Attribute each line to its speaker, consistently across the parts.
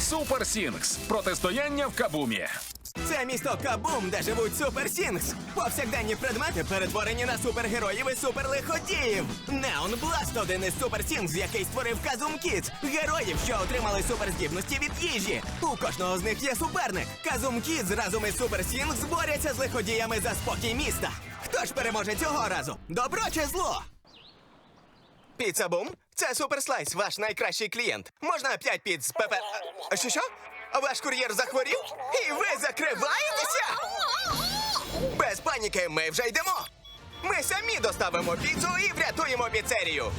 Speaker 1: Супер Сінгс. Протистояння в Кабумі.
Speaker 2: Це місто Кабум, де живуть Супер Сінгс. Повсякденні предмети перетворені на супергероїв і суперлиходіїв. Неон Бласт – один із Супер Сінгс, який створив Казум Кідс. Героїв, що отримали суперздібності від їжі. У кожного з них є суперник. Казум Кідс разом із Супер Сінгс борються з лиходіями за спокій міста. Хто ж переможе цього разу? Добро чи зло? Піца Бум? Це Суперслайс, ваш найкращий клієнт. Можна 5 піц пепе... Що? Ваш кур'єр захворів? І ви закриваєтеся? Без паніки, ми вже йдемо. Ми самі доставимо піцу і врятуємо піцерію.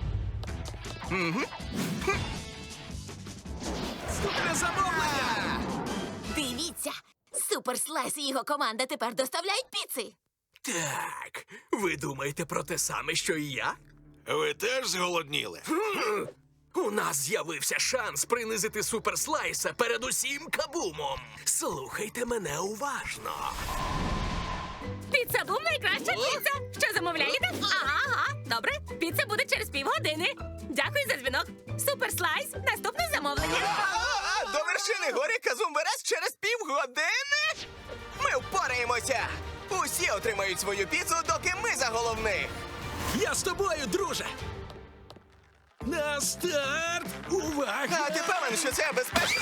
Speaker 1: Супер замовлення!
Speaker 3: Дивіться, Суперслайс і його команда тепер доставляють піци.
Speaker 4: Так, ви думаєте про те саме, що і я?
Speaker 5: Ви теж зголодніли?
Speaker 4: У нас з'явився шанс принизити Суперслайса перед усім Кабумом. Слухайте мене уважно.
Speaker 6: Піца Бум – найкраща піца. Що замовляєте? Ага. Добре. Піца буде через півгодини. Дякую за дзвінок. Суперслайс. Наступне замовлення.
Speaker 2: До вершини гори Казум Верес через півгодини? Ми впораємося. Усі отримають свою піцу, доки ми за головних.
Speaker 4: Я з тобою, друже. На старт! Увага!
Speaker 2: А ти певен, що це безпечно?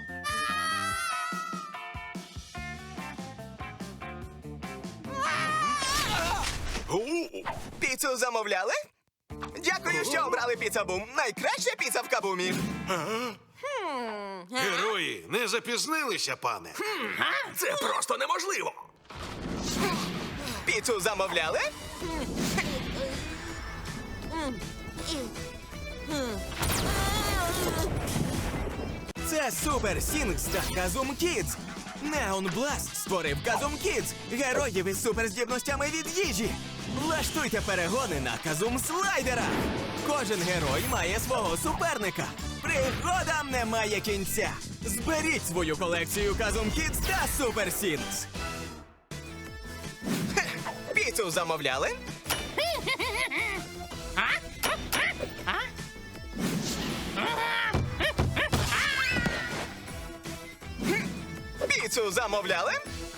Speaker 2: Піцу замовляли? Дякую, що обрали Піца Бум. Найкраща піца в Кабумі.
Speaker 5: Герої, не запізнилися, пане?
Speaker 4: Це просто неможливо.
Speaker 2: Піцу замовляли? Це Супер Сінгс та Казум Кідс. Неон Бласт створив Казум Кідс, героїв із суперздібностями від їжі. Влаштуйте перегони на Казум Слайдерах. Кожен герой має свого суперника. Пригодам немає кінця. Зберіть свою колекцію Казум Кідс та Супер Сінгс. Піцу замовляли? Піцу замовляли?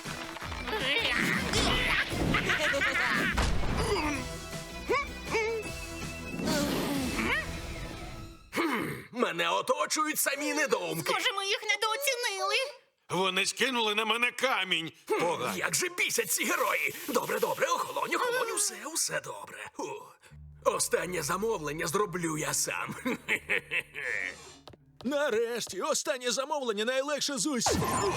Speaker 4: Мене оточують самі недоумки.
Speaker 6: Може, ми їх недооцінили?
Speaker 5: Вони скинули на мене камінь. Погано.
Speaker 4: Як же бісять ці герої? Добре, охолонь, усе добре. Останнє замовлення зроблю я сам.
Speaker 7: Нарешті, останнє замовлення найлегше з усіх.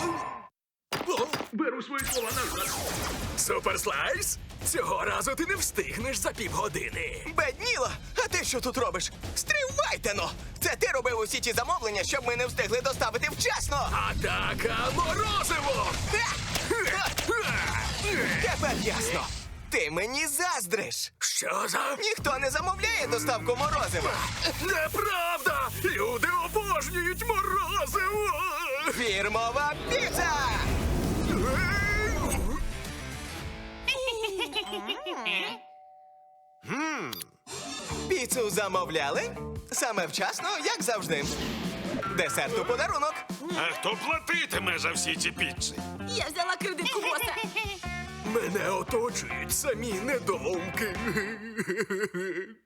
Speaker 4: Беру свої слова назад. Суперслайс, цього разу ти не встигнеш за півгодини.
Speaker 2: Бедніло, а ти що тут робиш? Стривайте-но! Це ти робив усі ті замовлення, щоб ми не встигли доставити вчасно!
Speaker 4: Атака морозиво!
Speaker 2: Тепер ясно! Ти мені заздриш!
Speaker 4: Що за...
Speaker 2: Ніхто не замовляє доставку морозива!
Speaker 4: Неправда! Люди обожнюють морозиво!
Speaker 2: Фірмова піца! Піцу замовляли? Саме вчасно, як завжди. Десерт у подарунок.
Speaker 5: А хто платитиме за всі ці піци?
Speaker 3: Я взяла кредитку боса.
Speaker 4: Мене оточують самі недоумки.